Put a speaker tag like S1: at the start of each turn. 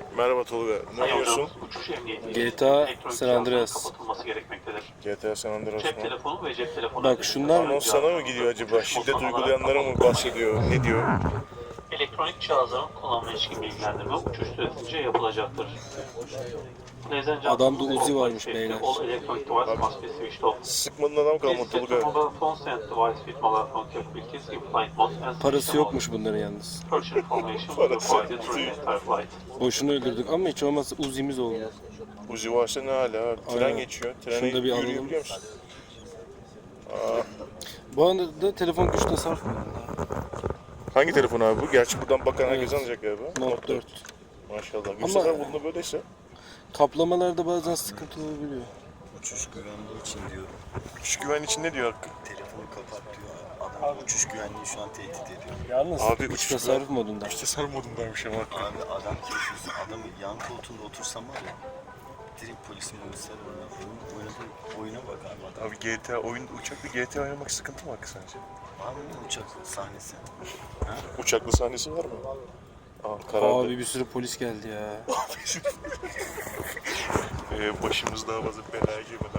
S1: Merhaba Tolga. Ne oynuyorsun?
S2: Uçuş emniyeti
S3: GTA
S2: elektronik
S3: San Andreas.
S2: kapatılması gerekmektedir.
S1: GTA San Andreas
S2: Cep
S1: mı?
S2: telefonu ve cep telefonu.
S3: Bak şunlar
S1: Anons sana mı gidiyor acaba? Şiddet uygulayanlara mı bahsediyor? Ne diyor?
S2: Elektronik cihazların kullanma ilişkin bilgilendirme uçuş süresince yapılacaktır.
S3: Adamda Uzi varmış beyler.
S2: All electronic device must be switched off.
S1: Sıkmadın adam kalmadı
S2: Please set your
S1: Tolga.
S2: mobile phone and device with mobile phone capabilities in flight mode and switch
S3: Parası
S2: them off.
S3: yokmuş bunların yalnız.
S2: Purchase information will be provided during the entire flight.
S3: Boşuna öldürdük ama hiç olmazsa Uzi'miz oldu.
S1: Uzi varsa ne hala abi? Tren
S3: Aynen.
S1: geçiyor.
S3: Şunu
S1: Treni
S3: da bir alalım.
S1: yürüyebiliyor musun?
S3: Bu anda da telefon güç tasarruf mu?
S1: Hangi telefon abi bu? Gerçi buradan bakan herkes alacak galiba.
S3: Note 4.
S1: Maşallah. Bir
S3: Ama-
S1: sefer bunda böyleyse.
S3: Kaplamalarda bazen sıkıntı olabiliyor.
S4: Uçuş güvenliği için diyorum.
S1: Uçuş güven için ne diyor Hakkı?
S4: Telefonu kapat diyor. Adam uçuş güvenliği şu an tehdit ediyor.
S3: Yalnız
S1: Abi
S3: güç
S1: uçuş
S3: tasarruf modunda.
S1: İşte sarı modundaymış ama Hakkı.
S4: Abi adam keyifsiz. Adam yan koltuğunda otursam var ya. Direkt polisin polisler oynadığı oyuna bak abi adam.
S1: Abi GTA uçaklı GTA oynamak sıkıntı mı Hakkı sence?
S4: Var mı uçak sahnesi?
S1: Uçaklı sahnesi var mı? Karardı.
S3: Abi bir sürü polis geldi ya.
S1: Başımız daha fazla belaya girmeden